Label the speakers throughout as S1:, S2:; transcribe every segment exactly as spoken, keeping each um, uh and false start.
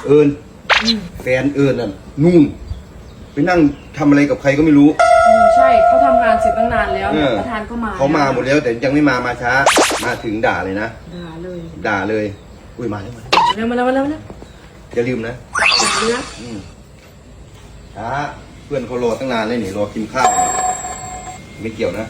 S1: เอิญแฟนเอิญน่ะนู่นไปนั่งทำอะไรกับใครก็ไม่รู้
S2: ใช่เขาทำงานเสร็จตั้งนานแล้วประธานก็มา
S1: เขามาหมดแล้วแต่ยังไม่มามาช้ามาถึงด่าเลยนะ
S2: ด่าเลย
S1: ด่าเลยอุ้ยมาแล้ว
S2: มาแล้วมาแล้วมาแล้ว
S1: อย่าลืมนะ
S2: ด่าเลยนะ
S1: ช้าเพื่อนเขารอตั้งนานเลยนี่รอกินข้าวไม่เกี่ยวนะ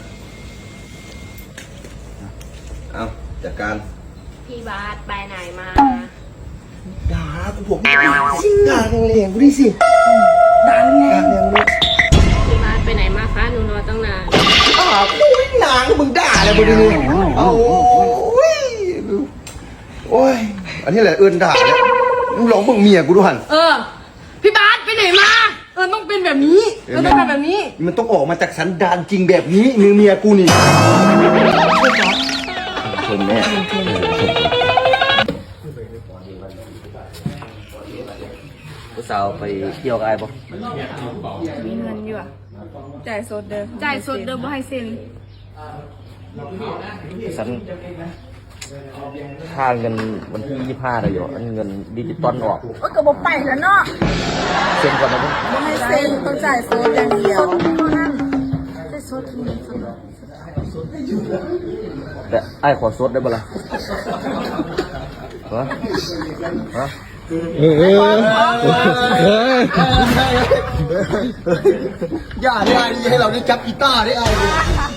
S1: เอาจัดการ
S3: พี่บาสไปไหนมา
S1: ด่ากูบอกด่าแรงๆกูดิสิ
S2: ด่าแรง
S3: พี่บาสไปไหนมาคะหนูรอตั้งนาน
S1: อ้าวกูหนังมึงด่าอะไรมึงดิโอ้ยโอ้ยอันนี้แหละเอิญด่าเนี่ยมึงหลงมึงเมียกูด้วย
S2: เออพี่บาสไปไหนมาเออต้องเป็นแบบนี้เออต้องเป็นแบบนี้
S1: มันต้องออกมาจากสันดานจริงแบบนี้มือเมียกูนี่ชมแม่
S4: ผู้สาวไปเที่ยวกับไอ้ปะ
S3: มีเงินอยู่อ่ะจ่ายสดเดิมจ่ายสดเดิมบ่ให้เซ็น
S4: ฉันค่าเงินวันที่ยี่ห้าเลยอยู่อันเงินดิจิตอลออก
S3: โอ้ก็บอกไปแล้วเนาะ
S4: เซ็นก่อนนะ
S3: บ่ให้เซ็นต้องจ่ายสดอย่างเดียวเท่านั้นจ่ายสดทีนึง
S4: แต่ไอ้ขอสดได้ปะล่ะฮะฮะ
S1: เอออย่าได้ให้เราได้จับกีตาร์ได้ไอ้